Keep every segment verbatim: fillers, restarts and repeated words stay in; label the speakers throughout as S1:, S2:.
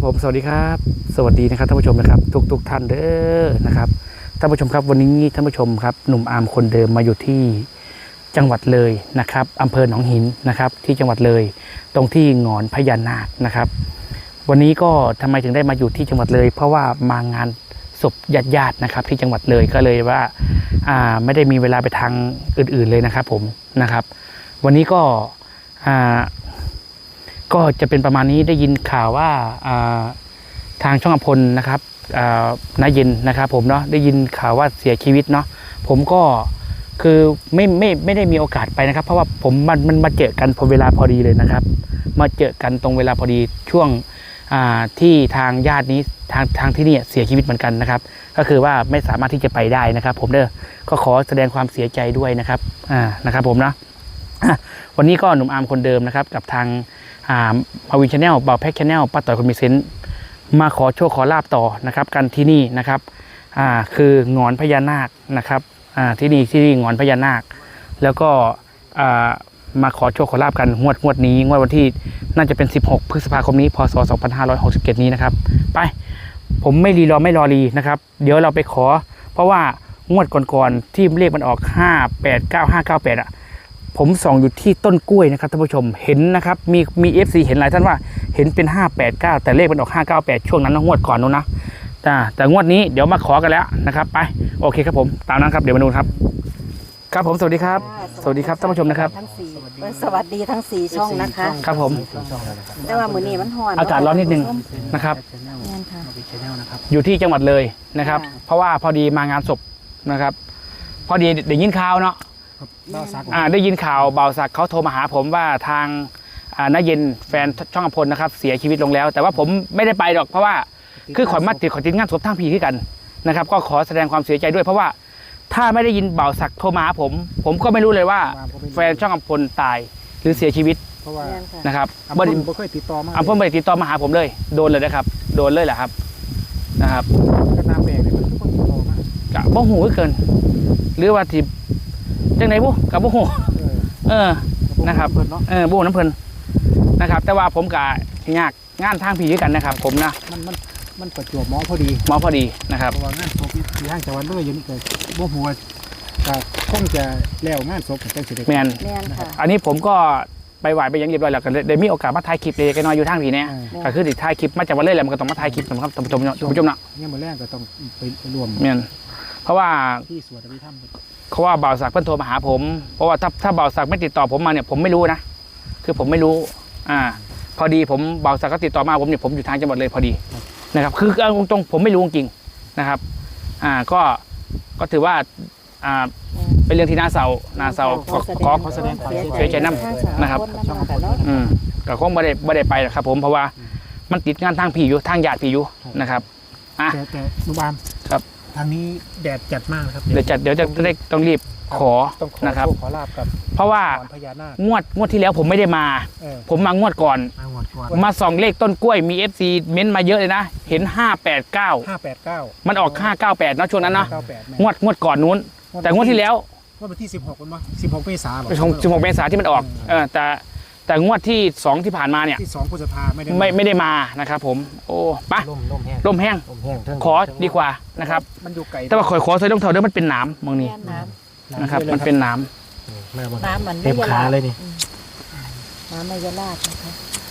S1: ผมสวัสดีครับสวัสดีนะครับท่านผู้ชมนะครับทุกทุกท่านเด้อนะครับท่านผู้ชมครับวันนี้ท่านผู้ชมครับหนุ่มอาร์มคนเดิมมาอยู่ที่จังหวัดเลยนะครับอำเภอหนองหินนะครับที่จังหวัดเลยตรงที่หงอนพญานาคนะครับวันนี้ก็ทำไมถึงได้มาอยู่ที่จังหวัดเลย เพราะว่ามางานศพญาติญาตินะครับที่จังหวัดเลยก็เลยว่าอ่าไม่ได้มีเวลาไปทางอื่นๆเลยนะครับผมนะครับวันนี้ก็อ่าก็จะเป็นประมาณนี้ได้ยินข่าวว่าทางช่องอภรณ์นะครับน้าเย็นนะครับผมเนาะได้ยินข่าวว่าเสียชีวิตเนาะผมก็คือไม่ไม่ไม่ได้มีโอกาสไปนะครับเพราะว่าผมมันมันมาเจอกันพอเวลาพอดีเลยนะครับมาเจอกันตรงเวลาพอดีช่วงที่ทางญาตินี้ทางทางที่นี่เสียชีวิตเหมือนกันนะครับก็คือว่าไม่สามารถที่จะไปได้นะครับผมเด้อก็ขอแสดงความเสียใจด้วยนะครับอ่านะครับผมนะวันนี้ก็หนุ่มอาร์มคนเดิมนะครับกับทางมาวินชาแนลเบาแพ็กชาแนลป้าต่อยคนมีเซนต์มาขอโชคขอลาบต่อนะครับกันที่นี่นะครับอ่าคือหงอนพญานาคนะครับอ่าที่นี่ที่นี่หงอนพญานาคแล้วก็อ่ามาขอโชคขอลาบกันงวดงวดนี้งวดวันที่น่าจะเป็นสิบหกพฤษภาคมนี้พศสองพันห้าร้อยหกสิบเจ็ดนี้นะครับไปผมไม่รีรอไม่รอรีนะครับเดี๋ยวเราไปขอเพราะว่างวดก่อนๆที่เลขมันออกห้าแปดเก้าห้าเก้าแปดอ่ะผมส่องอยู่ที่ต้นกล้วยนะครับท่านผู้ชมเห็นนะครับมีมีเอฟซีเห็นหลายท่านว่าเห็นเป็นห้าแปดเก้าแต่เลขมันออกห้าเก้าแปดช่วงนั้นงวดก่อนนู้นนะแต่แต่งวดนี้เดี๋ยวมาขอกันแล้วนะครับไปโอเคครับผมตามนั้นครับเดี๋ยวมาดูครับครับผมสวัสดีครับสวัสดีครับท่านผู้ชมนะครับ
S2: ทั้งสี่สวัสดีทั้งสี่ช่องนะคะ
S1: ครับผม
S2: แต่ว่ามื้อนี้มันร้อน
S1: อากาศร้อนนิดนึงนะครับอยู่ที่จังหวัดเลยนะครับเพราะว่าพอดีมางานศพนะครับพอดีได้ยินข่าวเนาะได้ยินข่าวเบาศักดิ์เขาโทรมาหาผมว่าทางน้าเย็นแฟนช่องอภรณ์นะครับเสียชีวิตลงแล้วแต่ว่าผมไม่ได้ไปหรอกเพราะว่าคือขอมาติดขอติดงานศพทั้งพี่ที่กันนะครับก็ขอแสดงความเสียใจด้วยเพราะว่าถ้าไม่ได้ยินเบาศักดิ์โทรมาหาผมผมก็ไม่รู้เลยว่าแฟนช่องอภรณ์ตายหรือเสียชีวิต
S3: เพราะว่า
S1: นะครับ
S3: อภรณ์ไม่เคยติดต่อมา
S1: อภรณ์ไม่ได้ติดต่อมาหาผมเลยโดนเลยนะครับโดนเลยแหละครับนะครับ
S3: ก็น้ำแบกเลยมันทุกคนติดต่อมาก
S1: ะบ่หูเกินหรือว่าที่จังไหนบุกับบ่หูเออนะครับเออบ่น้ำเพลินนะครับแต่ว่าผมกะยากงานทางพี่ด้วยกันนะครับผมนะ
S3: มันมันมันประจวบหมอพอดี
S1: หมอพอดีนะครับ
S3: เพราะว่างานศพที่ห้างจังหวัดเลยยังเกิดบ่หัวก็คงจะแล้วงานศพกันเสร็จ
S1: แมนอันนี้ผมก็ไปไหวไปยังเรียบร้อยแล้วกันได้มีโอกาสมาถ่ายคลิปเลยกันน้อยอยู่ทางพี่เนี่ยก็คือติดถ่ายคลิปมาจากวันเล่แหละมันก็ต้องมาถ่ายคลิปนะครับท่านผู้ชมท่านผู้ชมนะ
S3: เนี่ยมาแรกก็ต้องไปรวม
S1: แมนเพราะว่า
S3: ที่สวดอภิธรรม
S1: เขาว่าบ่าวศักดิ์เพิ่นโทรมาหาผมเพราะว่าถ้าถ้าบ่าวศักดิ์ไม่ติดต่อผมมาเนี่ยผมไม่รู้นะคือผมไม่รู้อ่าพอดีผมบ่าวศักดิ์ก็ติดต่อมาผมเนี่ยผมอยู่ทางจังหวัดเลยพอดีนะครับคือเอาตรงๆผมไม่รู้จริงนะครับอ่าก็ก็ถือว่าอ่าเป็นเรื่องที่น่าเศร้าน่าเศร้าขอขอแสดงความเสียใจน้ำนะครับอืมก็คงไม่ได้ไม่ได้ไปหรอกครับผมเพราะว่ามันติดงานทางพี่อยู่ทางญาติพี่อยู่นะครับ
S3: อ่ะแต่แต่นุบาม
S1: ครับ
S3: ทางนี้แดดจัดมากครับ
S1: เดี๋ยวจัดเดี๋ยวจะได้ต้องรีบขอนะครับ
S3: ขอลาบกับ
S1: เพราะว่างวดงวดที่แล้วผมไม่ได้มาผมมางวดก่อนมาส่องเลขต้นกล้วยมี เอฟ ซี เม้นมาเยอะเลยนะเห็นห้าแปดเก้า
S3: ห้าแปดเก้า
S1: มันออกห้าเก้าแปดเนาะช่วงนั้นเนาะงวดงวดก่อนนู้นแต่งวดที่แล้ว
S3: งวดที่สิบหกมั้ยสิบหกเมษายน
S1: สิบหกเมษายนที่มันออกเออแต่แต่งวดที่สองที่ผ่านมาเนี่ย
S3: ที่สองพฤษภาไม่ได้
S1: ไม่ไม่ได้มานะครับผมโอ้ปะ
S3: ร่มร่มแห้ง
S1: ร่มแห้งขอดีกว่านะครับ
S3: มันอยู่ไกล
S1: แต่ว่าขอขอใส่รองเท้าด้วยมันเป็นน้ำมองนี่นะครับมันเป็นน้
S2: ำน้ำมัน
S3: เต็มขาเลยนี่
S2: น้ำไม่ยะลาดนะคะ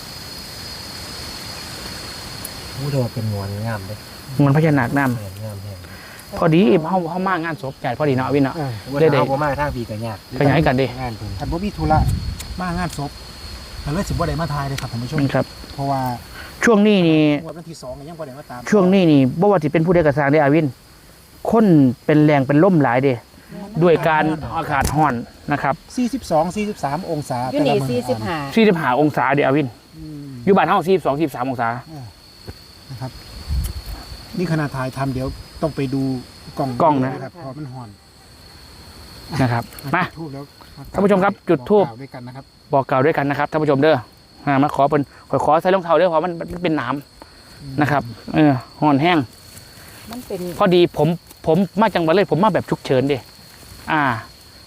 S3: ผู้โดดเป็นงวนงามเลย
S1: งวนพญานาคน้ำพอดีเขาเขามากงานศพใหญ่พอดีเนาะวินเนาะ
S3: เด็ดๆผมมาทางปีกันยาก
S1: ขยายกันดิ
S3: ท่านบ่มีธุระมางานศพแต่เลยสิบ่ได้มาทายเลยครับท่านผู้ชม
S1: ครับ
S3: เพราะว่า
S1: ช่วงนี้นี่
S3: วันที่สองยังบ่ได้มาตาม
S1: ช่วงนี้นี่บ่ว่าสิเป็นผู้ใดกระสร้างได้อาวินคนเป็นแรงเป็นล่มหลายเด้ด้วยการอากาศร้อนนะครับ
S3: สี่สิบสอง สี่สิบสามองศา
S2: อยู่นี่สี่สิบห้า
S1: สี่สิบห้าองศาเด้อาวินอยู่บ้านเฮาสี่สิบสอง สี่สิบสามองศา
S3: นะครับนี่ขณะถ่ายทำเดี๋ยวต้องไปดูกล้อง
S1: กล้องนะครับ
S3: เพราะมันร้อน
S1: นะครับมาท่านผู้ชมครับจุดธูป
S3: ด้วยกันนะครับ
S1: บอกกล่าวด้วยกันนะครับท่านผู้ชมเด้อมาขอเป็นขอขอใส่รองเท้าเด้อเพราะมันมันเป็นน้ำนะครับเออห่อนแห้งพอดีผมผมมาจังหวัดเลยผมมาแบบฉุกเฉินดิอ่า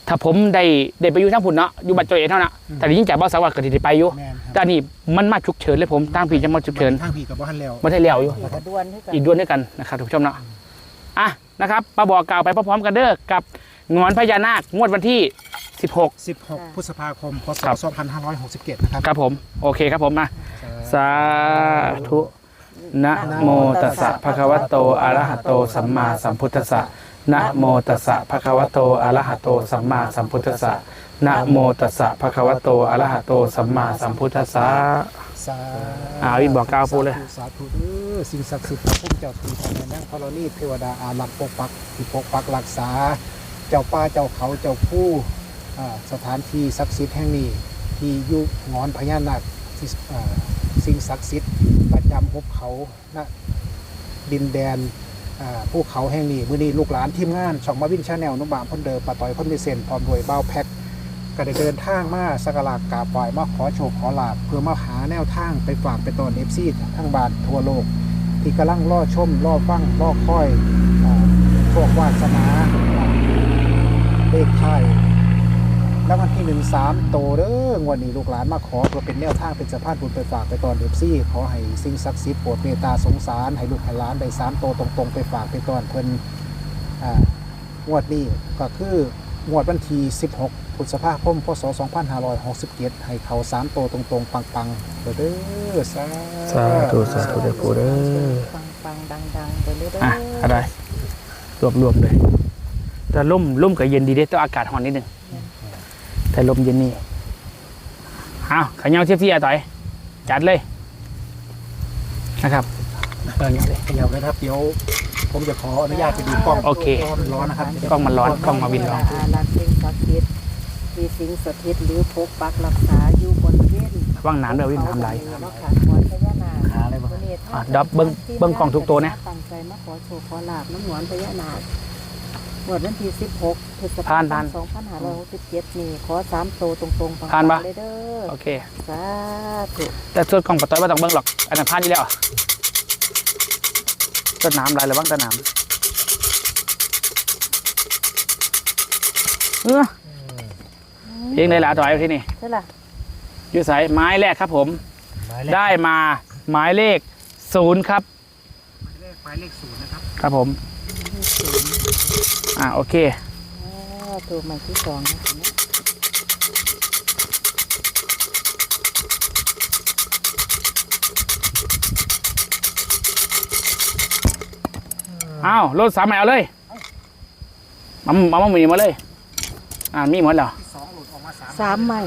S1: ถ้าผมได้ได้ไปอยู่ทั้งพุ่นเนาะอยู่บัตรจอยเอเท่านั้นแต่ยิ่งจากบ้านสวัสดิ์ก็ได้ไปอยู่
S3: แม่นครับ
S1: แต่อันนี้มันมาฉุกเฉินเลยผมตั้งพี่จะมาฉุกเฉิน
S3: ทางพี่กับบ้านแล้ว
S1: ไม่ได้เลี้ยวอยู่
S2: อีกกระดวนให้กัน
S1: อีกด้วนด้วยกันนะครับทุกผู้ชมเนาะอ่ะนะครับมาบอกกล่าวไปพร้อมๆกันเด้อกับงอนพญานาคงวดวันที่สิบหก
S3: สิบหกพฤษภาคมพศ
S1: ครับ
S3: สองพันห้าร้อยหกสิบเจ็ดนะครับ
S1: ครับผมโอเคครับผมมาสาธุนะโมตัสสะภะคะวะโตอะระหะโตสัมมาสัมพุทธัสสะนะโมตัสสะภะคะวะโตอะระหะโตสัมมาสัมพุทธัสสะนะโมตัสสะภะคะวะโตอะระหะโตสัมมาสัมพุทธัสสะ
S3: สา
S1: อ่าวินบอกกล่าวปูเลย
S3: สาธุเด้อสิ่งศักดิ์สิทธิ์พระพุ่มเจ้าที่พระแม่นางธรณีเทวดาอารักษ์ปกปักที่ปกปักรักษา เจ้าป่าเจ้าเขาเจ้าผู้อ่าสถานที่ศักดิ์สิทธิ์แห่งนี้ที่อยู่งอนพญานาคที่อ่าสิ่งศักดิ์สิทธิ์ประจำภูเขาณดินแดนอ่าภูเขาแห่งนี้มื้อนี้ลูกหลานทีมงานช่องมาวินชาแนลนุ่มบามพ่นเดิมปะต่อยพ่นมีเซนพร้อมด้วยเบ้าแพ็คก็ได้เดินทางมาสักการะกราบไหว้มาขอโชคขอลาภเพื่อมาหาแนวทางไปฝากไปตอนเอฟซีทั้งบ้านทั่วโลก ที่กำลังล่อชมล่อฟังล่อคอยอ่าโชควาสนาเลขไทายแล้ววันที่หนึ่งสามโตเด้องวันนี้ลูกหลานมาขอเพื่อเป็นแนวทางเป็นสะพานบุญไปฝากไปตอนเอฟซีขอให้สิ่งศักดิ์สิทธิ์โปรดเมตตาสงสารให้ลูกให้หลานได้สามโตตรงๆ ไปฝากไปตอนเพิ่นอ่างวดนี้ก็คืองวดวันที่สิบหกพฤษภาคมพศสองพันห้าร้อยหกสิบเจ็ดให้เขาสามโตตรงๆปังๆเด้อเด้อสา
S1: สาธุสาธุเด้อปูเด้อ
S2: ปังปังดังดังๆไปเรื่อยๆ
S1: อ่ะอะไรรวบรวมเลยแต่ร่มร่มกับเย็นดีเด้ต้องอากาศร้อนนิดนึงแต่ลมเย็นนี่เอาขยันเทียบที่อาต่อยจัดเลยนะครับเออเนี่ยเลย
S3: เดี๋ยวนะครับเดี๋ยวผมจะขออนุญาตไปดูกล้อง
S1: โอเค
S3: ร้อนนะครับ
S1: กล้องมันร้อนกล้องมาวินร้อน
S2: อารักษ์สิ่งศักดิ์สิทธิ์ที่สิงสถิตหรือปกปักรักษาอยู่บนเวียน
S1: ว่างน้ำเด้อวิ่งน้ำไหล
S2: เนาะค่ะงอนพญานาค
S3: หาอะไรบ้าง
S1: อ่ะดับเบิ้งเบิ้งกล้องทุกตัวนะ
S2: ตั้งใจมาขอโชคขอลาบน้ำหวานพญานาคงวดวันที่สิบหกพฤษภา
S1: ผ่าน
S2: ค
S1: ผ่าน
S2: มสองพันห้าร้อยหกสิบเจ็ดนี่ขอสามโตตรงๆปังๆ
S1: ผ่านปะ
S2: เลยเด้อ
S1: โอเค
S2: สาธุ
S1: แต่ส่วนกล้องปะต้อยไม่ต้องเบิ้งหรอกอันนั้นพลาดอยู่แล้วต้นน้ำไหลหรือบ้างต้นน้ำเออเพลงได้ละต่อยที่นี่
S2: ใช่ล่ะ
S1: อยู่สายไม้แรกครับผม ได้มาหมายเลขศูนย์ครับ
S3: หมายเลขศูนย์นะครับ
S1: ครับผม อ่าโอเค
S2: อ่าตัวใหม่ที่สองนะทีนี้
S1: อ้าวรถสามใหม่เอาเลยมามามามีมาเลย อ่ามีหมดแล้ว
S3: สองหลุดออกมาสาม
S2: สามใหม่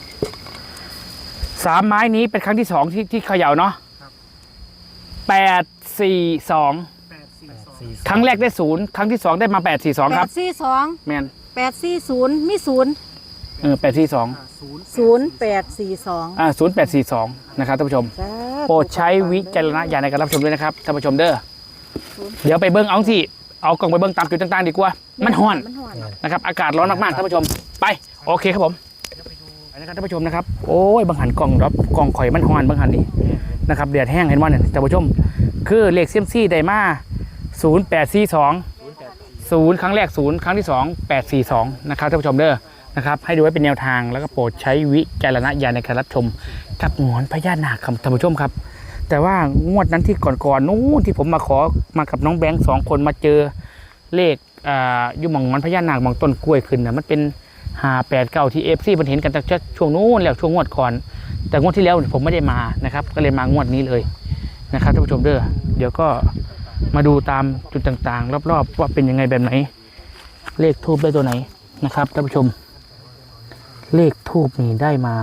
S1: สามไม้นี้เป็นครั้งที่สองที่ที่เขย่าเนาะแปดสี่สอง
S3: แปดสี่สอง
S1: ครั้งแรกได้ศูนย์ครั้งที่สองได้มาแปดสี่สอง
S2: แป
S1: ครับ
S2: ดสี่สอง
S1: แมน
S2: แปดสี่ศูนย์มีศูนย์
S1: เออแปดสี่สอง
S3: ศูนย์
S2: ศูนย์แปดสี่สอง
S1: อ่าศูนย์แปดสี่สองนะครับท่านผู้ชม โปรดใช้วิจารณญาณในการรับชมด้วยนะครับท่านผู้ชมเด้อเดี๋ยวไปเบิ้งเอาสิเอากล่องไปเบิ้งตามจุดต่างๆดีกว่า มันห้อน
S2: มันห่อน
S1: นะครับอากาศร้อนมากๆท่านผู้ชมไปโอเคครับผมไปนะครับท่านผู้ชมนะครับโอ้ยบางหันกล่องรับกล่องข่อยมันห้อนบางหันนี่นะครับเดือดแห้งเห็นว่าเนี่ยท่านผู้ชม คือเลขเซียมซี่ไดมาศูนย์แปดสี่สองศูนย์ครั้งแรกศูนย์ครั้งที่สองแปดสี่สองนะครับท่านผู้ชมเด้อนะครับให้ดูไว้เป็นแนวทางแล้วก็โปรดใช้วิจารณญาณในการรับชมกับหงอนพญานาคครับท่านผู้ชมครับ แต่ว่างวดนั้นที่ก่อนๆนู้นที่ผมมาขอมากับน้องแบงค์สองคนมาเจอเลขอ่าอยู่หม่องมันพญานาคหม่องต้นกล้วยขึ้นนะมันเป็นห้าแปดเก้าที่เอฟซีมันเห็นกันตั้งแต่ช่วงนู้นแล้วช่วงงวดก่อน แต่งวดที่แล้วผมไม่ได้มานะครับ ก็เลยมางวดนี้เลยนะครับท่านผู้ชมเด้อเดี๋ยวก็มาดูตามจุดต่างๆ รอบๆว่าเป็นยังไงแบบไหน เลขทูบได้ตัวไหนนะครับท่านผู้ชม เลขทูบนี่ได้มา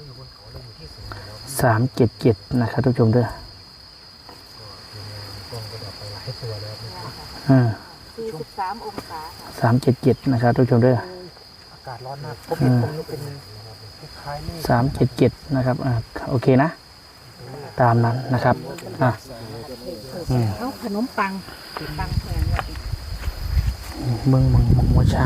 S1: สามเจ็ดเจ็ดนะครับท่านผู้ชมเด้ออ่า
S2: สี่สิบสามองศาค่ะ
S1: สามเจ็ดเจ็ดนะครับท่านผู้ชมเด้อ
S3: อากาศร้อนมากผมเห็นผมนึกเป็นคล้ายๆเลข
S1: สามเจ็ดเจ็ดนะครับอ่าโอเคนะ ตามนั้นนะครับอ่ะอืม
S2: เอาขนมปังปังแพงเลย
S1: เมืองเมืองเมืองวัดช่าง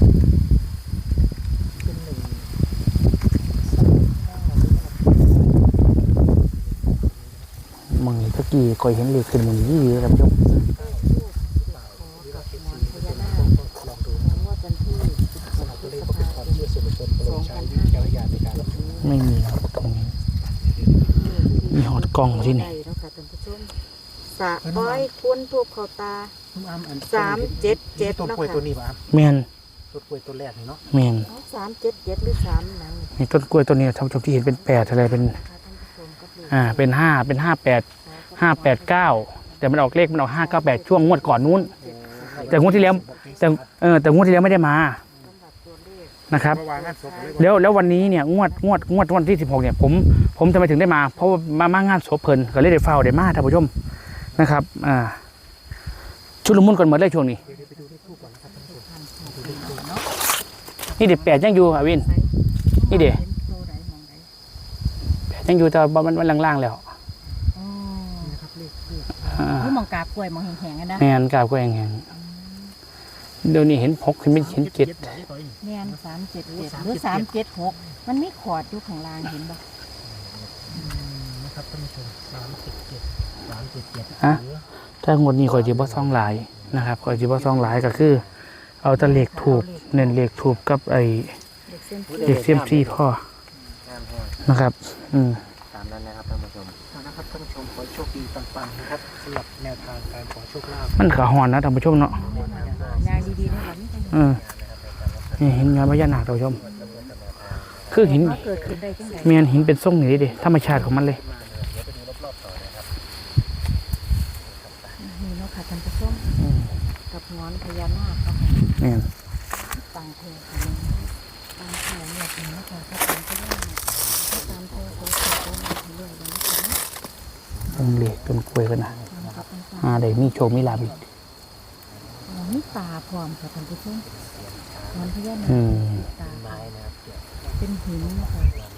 S1: เมืองนี้ตะกี้คอยเห็นเลขขึ้นเมืองนี้เลยท่านผู้ชม
S2: กับหมอนพญานาคงวดวันที่สิบหกพฤษภา
S3: ใช้วิจารณญาณในการรับชม
S1: ไม่มีตรงนี้ มีหอดกล้องที่นี่
S2: ได้แล้วค่ะท่านผู้ชมสะอ้อยคุ้นทูบเขาตา
S3: น้ำอ้ำอัน
S2: สามเจ็ดเจ็ด
S3: ต้นกล้วยตัวนี้ป่ะอ้ำ
S1: แมน
S3: ต้นกล้วยตัวแรกนี่เนาะ
S1: แมน
S2: เอาสามเจ็ดเจ็ดหรือสามหนัง
S1: นี่ต้นกล้วยตัวนี้ท่านผู้ชมที่เห็นเป็นแปดอะไรเป็น
S2: นะคะท่านผู้ชมก็คือ
S1: อ่า เป็นห้าเป็นห้าแปดห้าแปดเก้าแต่มันออกเลขมันออกห้าเก้าแปดช่วงงวดก่อนนู้น แต่งวดที่แล้ว แต่เออแต่งวดที่แล้วไม่ได้มา
S2: สำหรับตัวเลข
S1: นะครับ
S3: เมื่อวานงานศพเลย
S1: แล้วแล้ววันนี้เนี่ยงวดงวดงวดวันที่สิบหกเนี่ยผมผมทำไมถึงได้มา เพราะว่ามามางานศพเพลินก็เลยได้เฝ้าได้มาท่านผู้ชมนะครับ อ่า ชุดละมุนก่อนหมดเลยช่วงนี้
S3: เดี๋ยวไปดูเลขทูบก่อนนะครับท่านผู้ชม
S1: นี่เด็ดแปดยังอยู่อ่ะวิน นี่เด็ด
S2: เป็นตัวไหนมองไหน
S1: แปดยังอยู่แต่ว่ามันมันล่างๆแล้ว
S2: อ๋อ
S3: นี่นะครับเลขทูบ
S1: อ่า
S2: คือมองกาบกล้วยมองแข็งๆกันนะ
S1: แมนกาบก็แห้งๆเดี๋ยวนี้เห็นหกเห็นเป็นเห็นเจ็ด
S2: แม่นสามเจ็ดเจ็ดหรือสามเจ็ดหกมันมีขอดอยู่ข้างล่างเห็นปะ
S3: นะครับท่านผู้ชมสามเจ็ดเจ็ดสามเจ็ดเจ็ด
S1: ฮะ ถ้างวดนี้ข่อยจีบ่ซ่องหลายนะครับข่อยจีบ่ซ่องหลายก็คือ เอาแตะเลขถูกเน้นเลขถูกกับไอ้
S2: เด็กเส้น
S1: เลขเซียมซี่พ่อนะครับ อืม
S4: ตามนั้นนะครับท่านผู้ชม
S3: นะครับท่านผู้ชมขอให้โชคดีปังๆนะครับสำหรับแนวทางการขอโชคลาภ
S1: มันขาหอนนะท่านผู้ชมเนาะ
S2: นางดีๆนะหลัง
S1: เออนี่หินงานพญานาคท่านผู้ชม คือหิน
S2: ว่าเกิดขึ้นได้จังได
S1: เมียนหินเป็นทรงอย่างนี้ดิธรรมชาติของมันเลย
S2: นี่เนาะค่ะท่านผู้ชม
S1: อืม
S2: กับงอนพญานาคครับ
S1: เมียน
S2: ตังเทค่ะตังเทเนี่ยเป็นนะคะถ้าตังพญานาคถ้าตามเทโคโคโคมาเรื่อยๆนะคะ
S1: ต้นเลขต้นกล้วยกันนะ
S2: นะครับท่านผู้ชม
S1: อ่าได้มีโชคมีลาภอีก
S2: มีตาพร้อมค่ะท่านผู้ชมงอนพญานาค
S1: อืม
S2: ตาเป็นหินนะคะ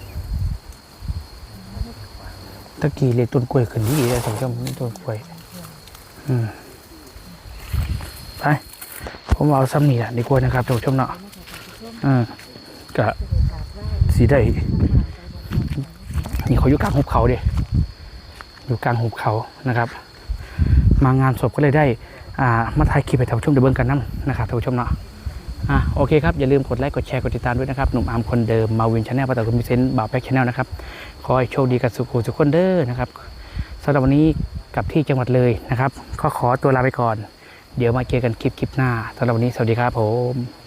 S1: ตะกี้เลขต้นกล้วยขึ้นดีเลยท่านผู้ชมนี่ต้นกล้วย อืมไปผมเอาซ้ำนี่แหละดีกว่านะครับท่านผู้ชมเนาะอืมก็สีได้นี่เขาอยู่กลางหุบเขาเดิอยู่กลางหุบเขานะครับ มางานศพก็เลยได้ อ่า มาถ่ายคลิปให้ท่านผู้ชมได้เบิ่งกันน้ำนะครับท่านผู้ชมเนาะอ่ะโอเคครับ อย่าลืมกดไลค์กดแชร์กดติดตามด้วยนะครับ หนุ่มอาร์มคนเดิมมาวินชาแนลประตูคุณมิเซนต์บ่าวแพ็กชาแนลนะครับ ขอให้โชคดีกับสุขุสุขคนเด้อนะครับสำหรับวันนี้กลับที่จังหวัดเลยนะครับก็ขอตัวลาไปก่อน เดี๋ยวมาเจอกันคลิปคลิปหน้าสำหรับวันนี้สวัสดีครับผม